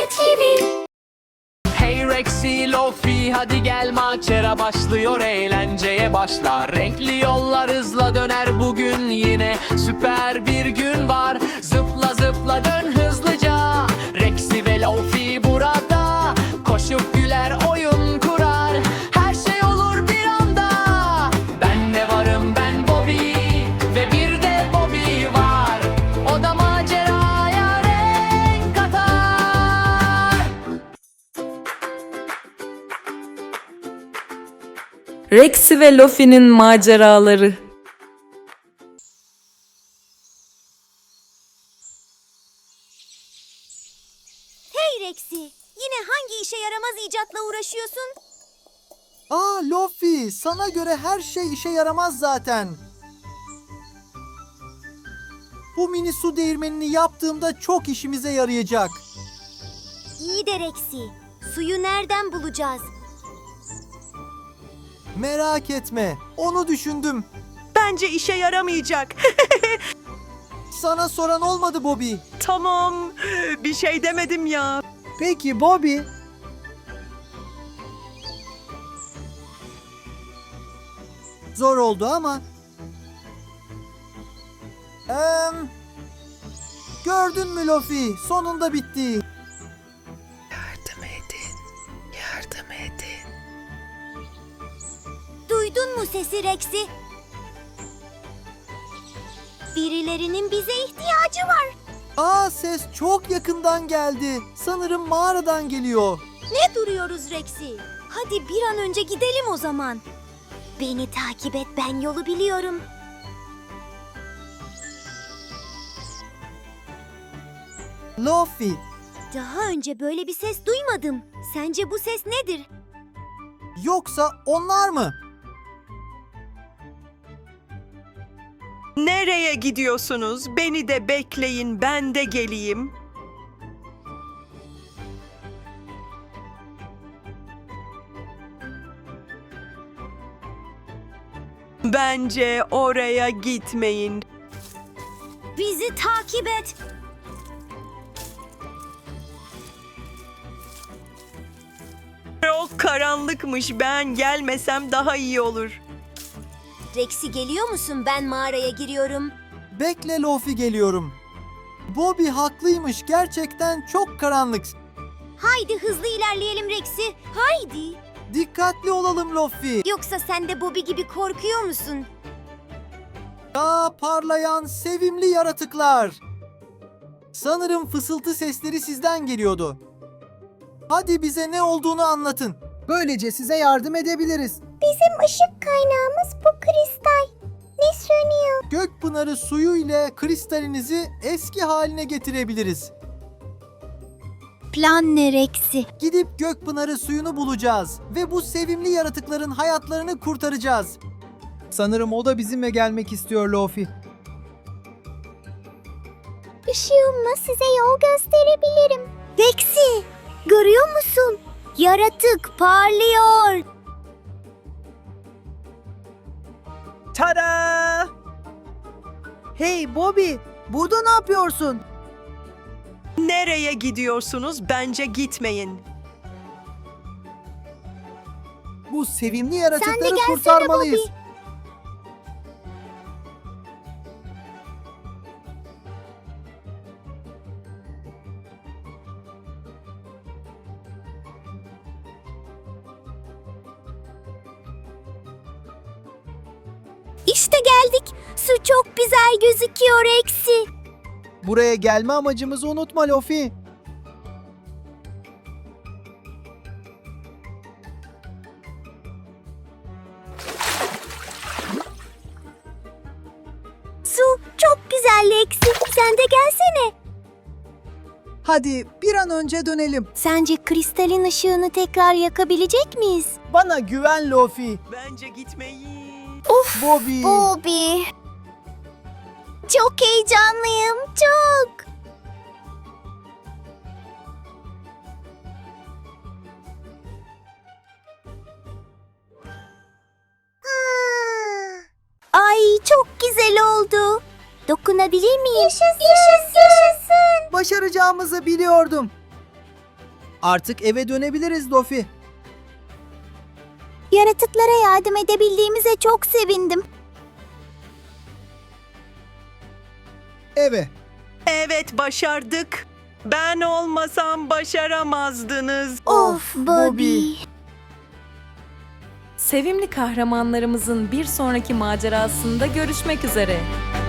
TV. Hey Rexy, Lofi, hadi gel macera başlıyor, eğlenceye başlar. Renkli yollar hızla döner bugün, yine süper bir gün var. Zıpla zıpla dön hızlıca, Rexy ve Lofi burada. Koşup güler oyun kurar, her şey olur bir anda. Ben de varım, ben Bobby ve bir de Bobby var. O da maceraya renk katar. Rexy ve Lofi'nin maceraları. Hey Rexy, yine hangi işe yaramaz icatla uğraşıyorsun? Lofi, sana göre her şey işe yaramaz zaten. Bu mini su değirmenini yaptığımda çok işimize yarayacak. İyi de Rexy, suyu nereden bulacağız? Merak etme, onu düşündüm. Bence işe yaramayacak. Sana soran olmadı Bobby. Tamam, bir şey demedim ya. Peki Bobby. Zor oldu ama. Gördün mü Lofi? Sonunda bitti. Yardım edin, yardım edin. Duydun mu sesi Rexy? Birilerinin bize ihtiyacı var. Ses çok yakından geldi. Sanırım mağaradan geliyor. Ne duruyoruz Rexy? Hadi bir an önce gidelim o zaman. Beni takip et, ben yolu biliyorum. Lofi, Daha önce böyle bir ses duymadım. Sence bu ses nedir? yoksa onlar mı? Nereye gidiyorsunuz? Beni de bekleyin, ben de geleyim. Bence oraya gitmeyin. Bizi takip et. Çok karanlıkmış, ben gelmesem daha iyi olur. Rexy geliyor musun? Ben mağaraya giriyorum. Bekle Lofi, geliyorum. Bobby haklıymış, gerçekten çok karanlık. Haydi hızlı ilerleyelim Rexy. Haydi. Dikkatli olalım Lofi. Yoksa sen de Bobby gibi korkuyor musun? Parlayan sevimli yaratıklar. Sanırım fısıltı sesleri sizden geliyordu. Hadi bize ne olduğunu anlatın. Böylece size yardım edebiliriz. Bizim ışık kaynağımız bu kristal. Ne sönüyor? Gökpınarı suyu ile kristalinizi eski haline getirebiliriz. Plan ne Rexy? Gidip Gökpınarı suyunu bulacağız ve bu sevimli yaratıkların hayatlarını kurtaracağız. Sanırım o da bizimle gelmek istiyor Lofi. Işığımla size yol gösterebilirim. Rexy, görüyor musun? Yaratık parlıyor. Tada! Hey Bobby, burada ne yapıyorsun? Nereye gidiyorsunuz? Bence gitmeyin. Bu sevimli Sen de yaratıkları gelsene kurtarmalıyız. Bobby. İşte geldik. Su çok güzel gözüküyor Rexy. Buraya gelme amacımızı unutma Lofi. Su çok güzel Rexy. Sen de gelsene. Hadi bir an önce dönelim. Sence kristalin ışığını tekrar yakabilecek miyiz? Bana güven Lofi. Bence gitmeyin. Bobby. Bobby. Çok heyecanlıyım, çok. Ay çok güzel oldu. Dokunabilir miyim? Yaşasın. Başaracağımızı biliyordum. Artık eve dönebiliriz Dofi. Yaratıklara yardım edebildiğimize çok sevindim. Eve. Evet, başardık. Ben olmasam başaramazdınız. Of Bobby. Sevimli kahramanlarımızın bir sonraki macerasında görüşmek üzere.